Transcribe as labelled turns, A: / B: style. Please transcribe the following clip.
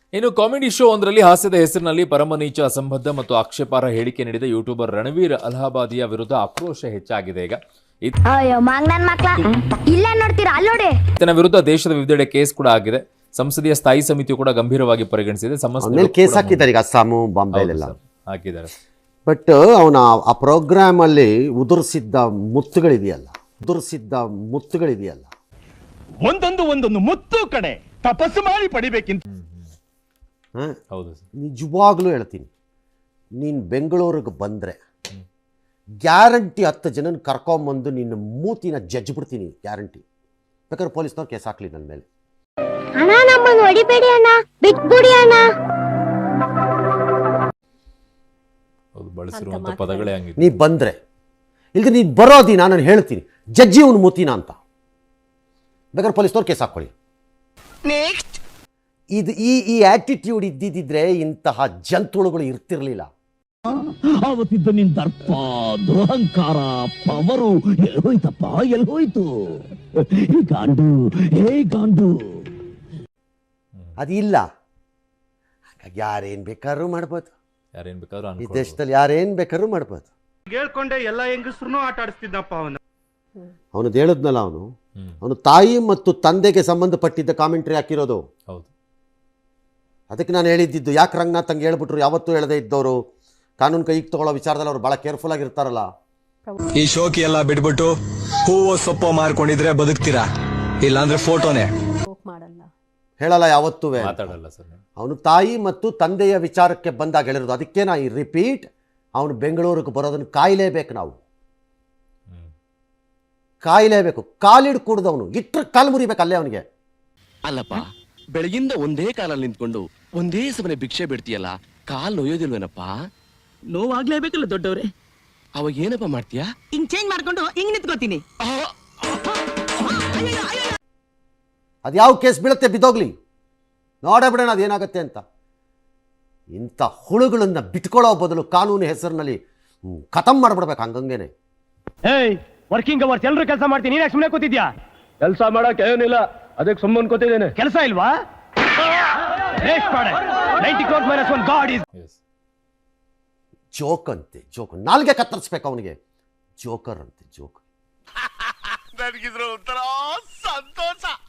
A: ಇನ್ನು comedy show ಒಂದರಲ್ಲಿ ಹಾಸ್ಯದ ಹೆಸರಿನಲ್ಲಿ ಪರಮನೀಚ ಅಸಂಬದ್ಧ ಮತ್ತು ಆಕ್ಷೇಪಾರ್ಹ ಹೇಳಿಕೆ ನೀಡಿದ ಯೂಟ್ಯೂಬರ್ ರಣವೀರ್ ಅಲಹಾಬಾದಿಯ ವಿರುದ್ಧ ಆಕ್ರೋಶ ಹೆಚ್ಚಾಗಿದೆ. ಈಗ ಈತನ ವಿರುದ್ಧ ದೇಶದ ವಿವಿಧೆಡೆ ಕೇಸ್ ಕೂಡ ಆಗಿದೆ. ಸಂಸದೀಯ ಸ್ಥಾಯಿ ಸಮಿತಿಯು ಕೂಡ ಗಂಭೀರವಾಗಿ ಪರಿಗಣಿಸಿದೆ.
B: ಕೇಸ್ ಹಾಕಿದ್ದಾರೆ ಈಗ ಅಸ್ಸಾಮು ಬಾಂಬೆಲೆಲ್ಲ
A: ಹಾಕಿದ್ದಾರೆ.
B: ಬಟ್ ಅವನ ಆ ಪ್ರೋಗ್ರಾಮ್ ಅಲ್ಲಿ ಉದುರಿಸಿದ್ದ ಮುತ್ತುಗಳಿದೆಯಲ್ಲ
C: ಒಂದೊಂದು ಮುತ್ತು ಕಡೆ ತಪಸ್ಸು ಮಾಡಿ ಪಡಿಬೇಕಿಂತ.
A: ಹೌದು,
B: ನಿಜವಾಗ್ಲೂ ಹೇಳ್ತೀನಿ, ನೀನು ಬೆಂಗಳೂರಿಗೆ ಬಂದರೆ ಗ್ಯಾರಂಟಿ 10 ಜನನ ಕರ್ಕೊಂಬಂದು ನಿನ್ನ ಮೂತಿನ ಜಡ್ಜ್ ಬಿಡ್ತೀನಿ, ಗ್ಯಾರಂಟಿ. ಬೇಕಾದ್ರೆ ಪೊಲೀಸ್ನವ್ರು ಕೇಸ್ ಹಾಕ್ಲಿ ನನ್ನ ಮೇಲೆ.
A: ಬಳಸಿರುವಂತ ಪದಗಳೇ ಹಂಗಿದೆ.
B: ನೀ ಬಂದ್ರೆ ಇಲ್ದ ನೀನು ಬರೋದಿನ ನಾನು ಹೇಳ್ತೀನಿ, ಜಡ್ಜಿ ಅವನು ಮೂತಿನ ಅಂತ. ಬೇಕಾದ್ರೆ ಪೊಲೀಸ್ನವ್ರು ಕೇಸ್ ಹಾಕೊಳ್ಳಿ. ಇದು ಈ ಆಟಿಟ್ಯೂಡ್ ಇದ್ದಿದ್ರೆ ಇಂತಹ ಜಂತುಳುಗಳು ಇರ್ತಿರ್ಲಿಲ್ಲ.
C: ಆವತ್ತಿದ್ದ ನಿನ್ ದರ್ಪ, ದುರಹಂಕಾರ, ಪವರು ಎಲ್ಲೋಯ್ತಪ್ಪ, ಎಲ್ಲೋಯ್ತು? ಗಾಂಡು
B: ಅದಿಲ್ಲ. ಹಾಗಾಗಿ ಯಾರೇನ್ ಬೇಕಾದ್ರೂ ಮಾಡ್ಬೋದು, ಈ ದೇಶದಲ್ಲಿ ಯಾರೇನ್ ಬೇಕಾದ್ರೂ ಮಾಡ್ಬೋದು.
D: ಹೇಳ್ಕೊಂಡೆ ಎಲ್ಲ ಹೆಂಗಸ್ರು ಆಟ ಆಡಿಸ್ತಿದ್ದಪ್ಪ
B: ಅವನು ಹೇಳಿದ್ನಲ್ಲ, ಅವನು ತಾಯಿ ಮತ್ತು ತಂದೆಗೆ ಸಂಬಂಧಪಟ್ಟಿದ್ದ ಕಾಮೆಂಟ್ರಿ ಹಾಕಿರೋದು.
A: ಹೌದು,
B: ಅದಕ್ಕೆ ನಾನು ಹೇಳಿದ್ದು, ಯಾಕೆ ರಂಗನಾಥ್ ಹಂಗೆ ಹೇಳ್ಬಿಟ್ರು. ಯಾವತ್ತೂ ಹೇಳದೇ ಇದ್ದವರು ಕಾನೂನು ಕೈಗೆ ತಗೊಳ್ಳೋ ವಿಚಾರದಲ್ಲಿ ಅವ್ರು ಬಹಳ ಕೇರ್ಫುಲ್ ಆಗಿರ್ತಾರಲ್ಲ.
E: ಈ ಶೋಕಿ ಎಲ್ಲ ಬಿಟ್ಬಿಟ್ಟು ಹೂವು ಸೊಪ್ಪು ಮಾರ್ಕೊಂಡಿದ್ರೆ ಬದುಕ್ತೀರಾ, ಇಲ್ಲಾಂದ್ರೆ ಫೋಟೋನೇ
B: ಹೇಳಲ್ಲ, ಯಾವತ್ತೂ
A: ಮಾತಾಡಲ್ಲ ಸರ್.
B: ಅವನು ತಾಯಿ ಮತ್ತು ತಂದೆಯ ವಿಚಾರಕ್ಕೆ ಬಂದಾಗ ಹೇಳಿರೋದು. ಅದಕ್ಕೆ ನಾ ಈ ರಿಪೀಟ್, ಅವನು ಬೆಂಗಳೂರಿಗೆ ಬರೋದನ್ನು ಕಾಯಲೇಬೇಕು, ನಾವು ಕಾಯಲೇಬೇಕು. ಕಾಲಿಡ್ ಕೂಡ್ದವನು ಇಟ್ರ ಕಾಲು ಮುರಿಬೇಕು ಅಲ್ಲೇ ಅವನಿಗೆ.
F: ಅಲ್ಲಪ್ಪ, ಬೆಳಗಿಂದ ಒಂದೇ ಕಾಲಲ್ಲಿ ನಿಂತ್ಕೊಂಡು ಒಂದೇ ಸಮನೆ ಭಿಕ್ಷೆ ಬಿಡ್ತೀಯಲ್ಲ, ಕಾಲ್ ನೋಯೋದಿಲ್ವೇನಪ್ಪ?
G: ನೋವಾಗ್ಲೇಬೇಕಲ್ಲ ದೊಡ್ಡವ್ರೆ.
F: ಅವಾಗ ಏನಪ್ಪ ಮಾಡ್ತೀಯಾ?
G: ಹಿಂಗ್ ಚೇಂಜ್ ಮಾಡ್ಕೊಂಡು ಹಿಂಗ್ ನಿಂತ್ಕೋತೀನಿ.
B: ಅದ್ಯಾವ ಕೇಸ್ ಬೀಳುತ್ತೆ ಬಿದ್ದೋಗ್ಲಿ, ನೋಡೇ ಬಿಡೋಣ ಅದೇನಾಗತ್ತೆ ಅಂತ. ಇಂಥ ಹುಳುಗಳನ್ನ ಬಿಟ್ಕೊಳ್ಳೋ ಬದಲು ಕಾನೂನು ಹೆಸರಿನಲ್ಲಿ ಖತಮ್ ಮಾಡ್ಬಿಡ್ಬೇಕು ಹಂಗಂಗೇನೆ.
C: ವರ್ಕಿಂಗ್ ಅವರ್ಸ್ ಎಲ್ಲರೂ ಕೆಲಸ ಮಾಡ್ತೀನಿ, ನೀನ್ ಸುಮ್ಮನೆ ಕೂತಿದ್ಯಾ? ಕೆಲಸ ಮಾಡಕ್ ಏನಿಲ್ಲ, ಅದಕ್ಕೆ ಸುಮ್ಮನೆ ಕೂತಿದ್ದೇನೆ. ಕೆಲಸ ಇಲ್ವಾ?
B: ಜೋಕ್ ಅಂತೆ, ಜೋಕ್. ನಾಲ್ಗೆ ಕತ್ತರಿಸ್ಬೇಕು ಅವನಿಗೆ. ಜೋಕರ್ ಅಂತೆ, ಜೋಕ್.
D: ನನಗಿದ್ರ ಒಂಥರ ಸಂತೋಷ.